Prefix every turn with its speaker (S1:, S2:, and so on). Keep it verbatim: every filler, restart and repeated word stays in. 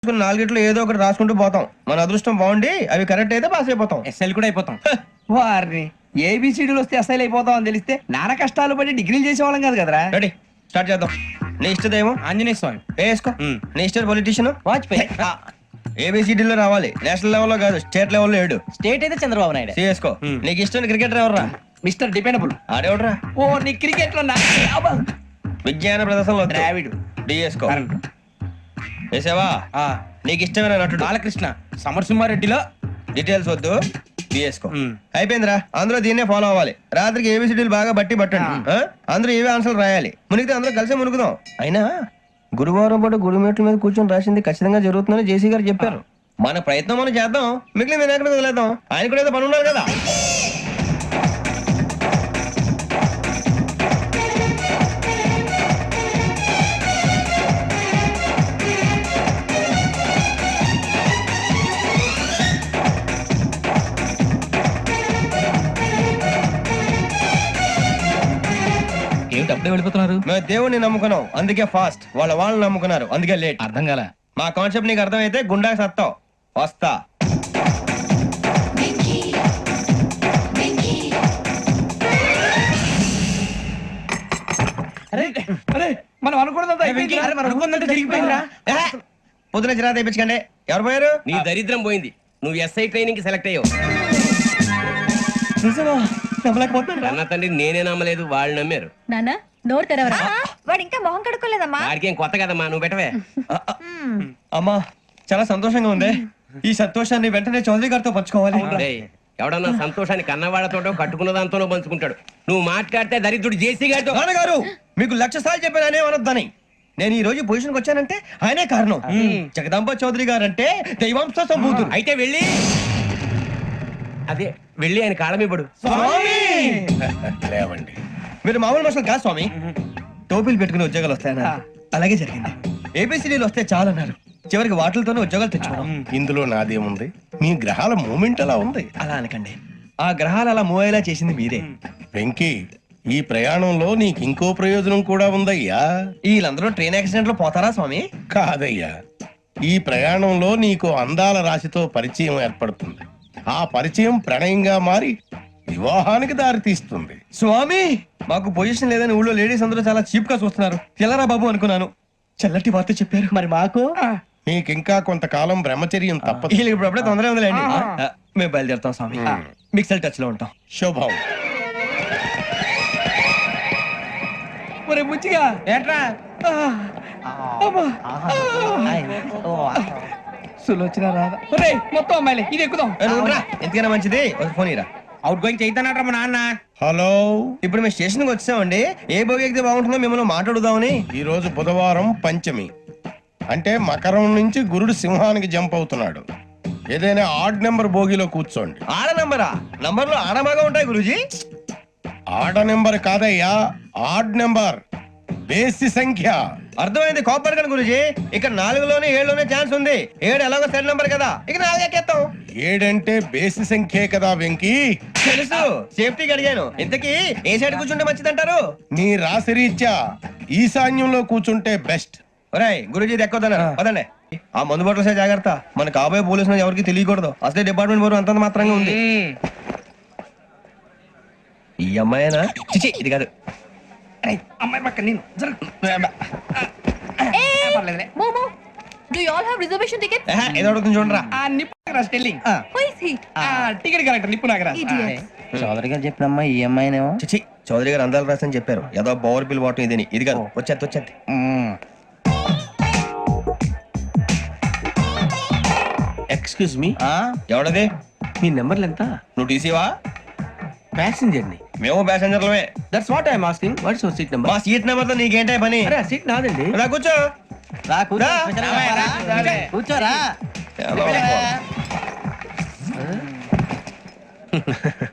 S1: నాలుగిట్లో ఏదో ఒకటి రాసుకుంటూ పోతాం. మన అదృష్టం బాగుండి అవి కరెక్ట్ అయితే పాస్ అయిపోతాం.
S2: ఎస్ఎల్ కూడా అయిపోతాం. వారిని ఏబిసిడీలు వస్తే ఎస్ఐలు అయిపోతాం అని తెలిస్తే నాన్న కష్టాలు పడి డిగ్రీలు చేసేవాళ్ళం కాదు కదరా.
S1: రెడీ స్టార్ట్ చేద్దాం. నీ ఇష్టదేమో
S2: ఆంజనేయ స్వామి.
S1: వేసుకో. నీ ఇష్ట పొలిటీషియన్
S2: వాజ్పేయి.
S1: ఏబిసిడీలో రావాలి, నేషనల్ లెవెల్లో కాదు, స్టేట్ లెవెల్లో ఏడు.
S2: స్టేట్ అయితే చంద్రబాబు నాయుడు.
S1: సిఎస్కో. నీకు ఇష్టం క్రికెటర్ ఎవర్రా?
S2: Mister dependable.
S1: ఆడేవడరా?
S2: ఓ నీ క్రికెట్ లో
S1: విజ్ఞాన ప్రదర్శనలో
S2: ద్రావిడు.
S1: డిఎస్కో. వేసావా? నీకు ఇష్టమైన నటుడు?
S2: బాలకృష్ణ. సమర్సింహారెడ్డిలో
S1: డీటెయిల్స్ వద్దు, బిఎస్కో. అయిపోయిందిరా. అందరూ దీన్నే ఫాలో అవ్వాలి. రాత్రికి ఏబిసిడీలు బాగా బట్టి పట్టండి. అందరూ ఏవే ఆన్సర్లు రాయాలి. మునిగితే అందరూ కలిసి మునుగుదాం. అయినా గురువారం పాటు గురుమేట్ల మీద కూర్చొని రాసింది ఖచ్చితంగా జరుగుతుందని జేసీ గారు చెప్పారు. మన ప్రయత్నం మనం చేద్దాం, మిగిలిన నేను ఎక్కడ వదిలేద్దాం. ఆయన కూడా ఏదో పని ఉన్నారు కదా.
S2: ఏమిటి అప్పుడే వెళ్ళిపోతున్నారు?
S1: మేము దేవుడిని నమ్ముకున్నాం, అందుకే ఫాస్ట్. వాళ్ళ వాళ్ళు నమ్ముకున్నారు, అందుకే లేట్.
S2: అర్థం కాల.
S1: మా కాన్సెప్ట్ నీకు అర్థమైతే గుండా సత్తావు. వస్తా.
S2: మనం అనుకున్నదంతా
S1: పొద్దున చిరా తెప్పించకండి. ఎవరు పోయారు?
S3: నీ దరిద్రం పోయింది. నువ్వు ఎస్ఐ ట్రైనింగ్ కి సెలెక్ట్ అయ్యావు. అన్న తండ్రి నేనే నమ్మలేదు, వాళ్ళు నమ్మారు.
S4: నానా నోరు తెరవరా.
S5: వాడు ఇంకా మొహం కడుక్కోలేదమ్మా.
S3: వాడికి ఏం కొత్త కదమ్మా, నువ్వు పెట్టవే.
S1: అమ్మా చాలా సంతోషంగా ఉంది. ఈ సంతోషాన్ని వెంటనే చౌదరి గారితో పంచుకోవాలి.
S3: డేయ్, ఎవడన్నా సంతోషాన్ని కన్నవాళ్లతోటో కట్టుకున్న దాంతోనో పంచుకుంటాడు. నువ్వు మాట్లాడితే దరిద్రుడు జేసీ గారితో.
S1: నాన్నగారు మీకు లక్ష సార్లు చెప్పాను ఆయనే అనొద్దని. నేను ఈ రోజు పొజిషన్కి వచ్చానంటే ఆయనే కారణం. జగదాంబ చౌదరి గారు అంటే దైవాంశ సంభూతుడు.
S3: అయితే వెళ్ళి అదే వెళ్ళి ఆయన కాళ్ళమివ్వడు.
S1: లేవండి, మీరు మామూలు మనుషులు కాదు స్వామి. టోపీలు పెట్టుకుని ఉద్యోగాలు వస్తాయన్నారు, అలాగే జరిగింది. ఏబిసిడీలు వస్తే చాలన్నారు, చివరికి వాటిలతోనే ఉద్యోగాలు తెచ్చుకోవడం.
S6: ఇందులో నాదేముంది? మీ గ్రహాల మూమెంట్ అలా ఉంది.
S1: అలా అనకండి, ఆ గ్రహాలు అలా మూవ్ అయ్యేలా చేసింది మీరే.
S6: వెంకీ, ఈ ప్రయాణంలో నీకు ఇంకో ప్రయోజనం కూడా ఉందయ్యా.
S1: వీళ్ళందరూ ట్రైన్ యాక్సిడెంట్ లో పోతారా స్వామి?
S6: కాదయ్యా, ఈ ప్రయాణంలో నీకు అందాల రాశితో పరిచయం ఏర్పడుతుంది. ఆ పరిచయం ప్రణయంగా మారి వివాహానికి దారి తీస్తుంది.
S1: స్వామి మాకు పొజిషన్ లేదని ఊళ్ళో లేడీస్ అందరూ చాలా చీప్ గా చూస్తున్నారు. తెల్లరా బాబు అనుకున్నాను, చల్లటి వార్త చెప్పారు.
S2: మరి మాకు
S6: నీకింకా కొంతకాలం బ్రహ్మచర్యం తప్పదు.
S1: వీళ్ళకి ఇప్పుడు అప్పుడే తొందరగా ఉందిలేండి. ఆ, మేము బయలుదేరుతాం స్వామి. మిక్సెల్ టచ్ లో ఉంటాం.
S6: శుభం.
S2: మరి ముచ్చిగా
S3: ఏట్రా
S2: సులోచన రాదా? ఒరే మొత్తం అమ్మాయిలే, ఇది ఎక్కుదాం.
S1: ఏ, నువ్వు ఉండరా. ఎందుకైనా మంచిది ఒక ఫోన్ ఇరా.
S3: అవుట్ గోయింగ్ చేద్దానట్రా మా నాన్న.
S6: హలో,
S1: ఇప్పుడు మేము స్టేషన్ కి వచ్చామండి. ఏ బోగి ఎక్కితే బాగుంటుందో మిమ్మల్ని మాట్లాడుదామని.
S6: ఈ రోజు బుధవారం పంచమి, అంటే మకరం నుంచి గురుడు సింహానికి జంప్ అవుతున్నాడు. ఏదైనా ఆడ్ నెంబర్ బోగిలో కూర్చోండి.
S1: ఆడ నంబరా? నంబర్లు ఆడ బాగా ఉంటాయి గురూజీ.
S6: ఆడ నెంబర్ కాదయ్యా, ఆడ్ నెంబర్, బేసి సంఖ్య.
S1: అర్థమైంది, కాపర్ కానీ గురూజీ. ఇక్కడ నాలుగులోనే ఏడులోనే ఛాన్స్ ఉంది. ఏడు ఎలాగో సెడ్ నంబర్ కదా, ఇక నాలుగు ఎక్కేస్తాం.
S6: ఏడంటే బేసి సంఖ్యే కదా వెంకీ.
S1: తెలుసు, సేఫ్టీకి అడిగాను. ఇంతకీ ఏ సైడ్ కూర్చుంటే మంచిదంటారు?
S6: నీ రాశి రీత్యా ఈశాన్యంలో కూర్చుంటే బెస్ట్.
S1: ఒరేయ్ గురూజీ దెక్కొద్దన్నారు పదండి. ఆ మందు బట్టలసే జాగ్రత్త, మన కాబోయే పోలీసులు ఎవరికి తెలియకూడదు. అసలే డిపార్ట్మెంట్ బోర్ అంతంత మాత్రంగా ఉంది. ఈ అమ్మాయినా? చిచి ఇది కాదు.
S2: అమ్మాయి పక్క నేను
S4: మోమో do you all have reservation ticket?
S1: ఏహే, ఏదో అడుగుతుంది చూడరా.
S2: ఆ నిప్పు Nagaraj telling.
S4: Who is he?
S2: ఆ టికెట్ కలెక్టర్ నిప్పు నాగరాజ్.
S4: Idiots.
S2: చౌదరి గారు చెప్పినమ్మా ఈ అమ్మాయినేమో.
S1: చిచి చౌదరి గారు అందాలు రాసని చెప్పారు. ఏదో బోర్ బిల్ వాటం ఇదని. ఇది కాదు, వచ్చేది వచ్చేది.
S3: Excuse me,
S1: ఎవడది?
S3: మీ నెంబర్లు ఎంత?
S1: నువ్వు టీసీవా?
S3: ప్యాసింజర్ ని.
S1: మేము ప్యాసెంజర్లమే.
S3: That's what I'm asking. What's your seat number?
S1: మా సీట్ నెంబర్ తో నీకేంటే పని?
S3: అరే ఆ సీట్ నాదండి.
S1: రా కూర్చో.
S2: రా
S1: రా.
S2: కూర్చోరా.
S1: ఎలా?